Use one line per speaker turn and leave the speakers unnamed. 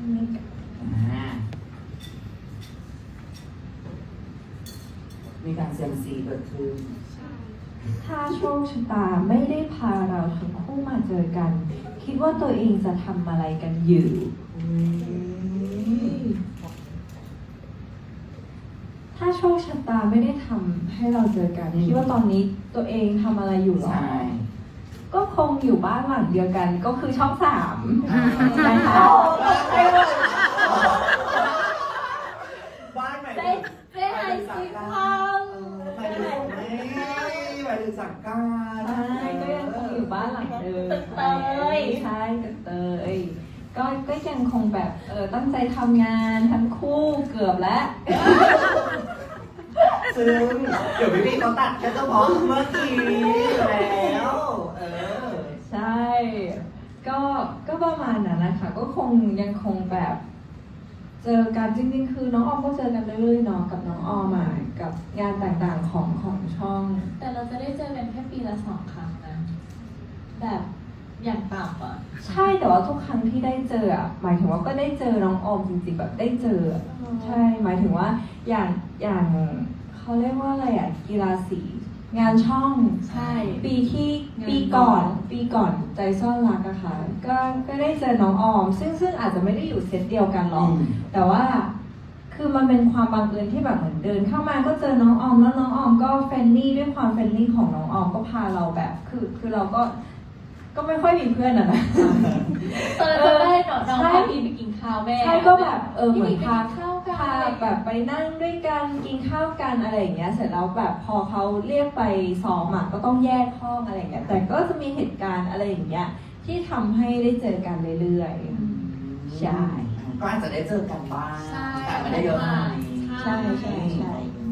นิด
มีการเซียมซีเกิดขึ้น
ถ้าโชคชะตาไม่ได้พาเราทั้งคู่มาเจอกัน คิดว่าตัวเองจะทำอะไรกันอยู่ถ้าโชคชะตาไม่ได้ทำให้เราเจอกันคิดว่าตอนนี้ตัวเองทำอะไรอยู่หรอก็คงอยู่บ้านหลังเดียวกันก็คือช่อง3นะคะ
บ้านใหม่
ได้หายสิพัง
หมายถึงสังกัด
ใช่ก็ยังคงอยู่บ้านหลังเดิมใช่ตึกเตยก็ยังคงแบบตั้งใจทำงานทั้งคู่เกือบแล้ว
ซึ่งเดี๋ยวพี่เขาตัดแค่เฉพาะเมื่อกี้แล้ว
ใช่ก็ประมาณนั้นนะคะก็คงยังคงแบบเจอกันจริงๆคือน้องออมก็เจอกันเรื่อยๆเนาะกับน้องออมมากับงานต่างๆของช่อง
แต่เราจะได้เจอกันแค่ปีละ2 ครั้งนะแบบอย่างต่ำอ่ะ
ใช่แต่ว่าทุกครั้งที่ได้เจออ่ะหมายถึงว่าก็ได้เจอน้องออมจริงๆแบบได้เจอใช่หมายถึงว่าอย่างเขาเรียกว่าอะไรอ่ะกีฬาสีงานช่อง
ใช่
ปีก่อนใจซ่อนรักอะค่ะก็ได้เจอน้องออมซึ่งอาจจะไม่ได้อยู่เซตเดียวกันหรอกแต่ว่าคือมันเป็นความบังเอิญที่แบบเหมือนเดินเข้ามาก็เจอน้องออมแล้วน้องออมก็เฟรนลี่ด้วยความเฟรนลี่ของน้องออมก็พาเราแบบคือเราก็ไม่ค่อยมีเพื่อนอะนะ
ตอนนั้นได้น้องพาพี่ไปกินข้าวแม่
ใช่ก็แบบเหมือนพา
ข้าว
แบบไปนั่งด้วยกันกินข้าวกันอะไรอย่างเงี้ยเสร็จแล้วแบบพอเขาเรียกไปซ้อมก็ต้องแยกห้องอะไรอย่างเงี้ยแต่ก็จะมีเหตุการณ์อะไรอย่างเงี้ยที่ทำให้ได้เจอกันเรื่อยๆใช่
ก็อาจจะได้เจอกันบ้าง
แต่ไม่ได้เยอะมาก
ใช่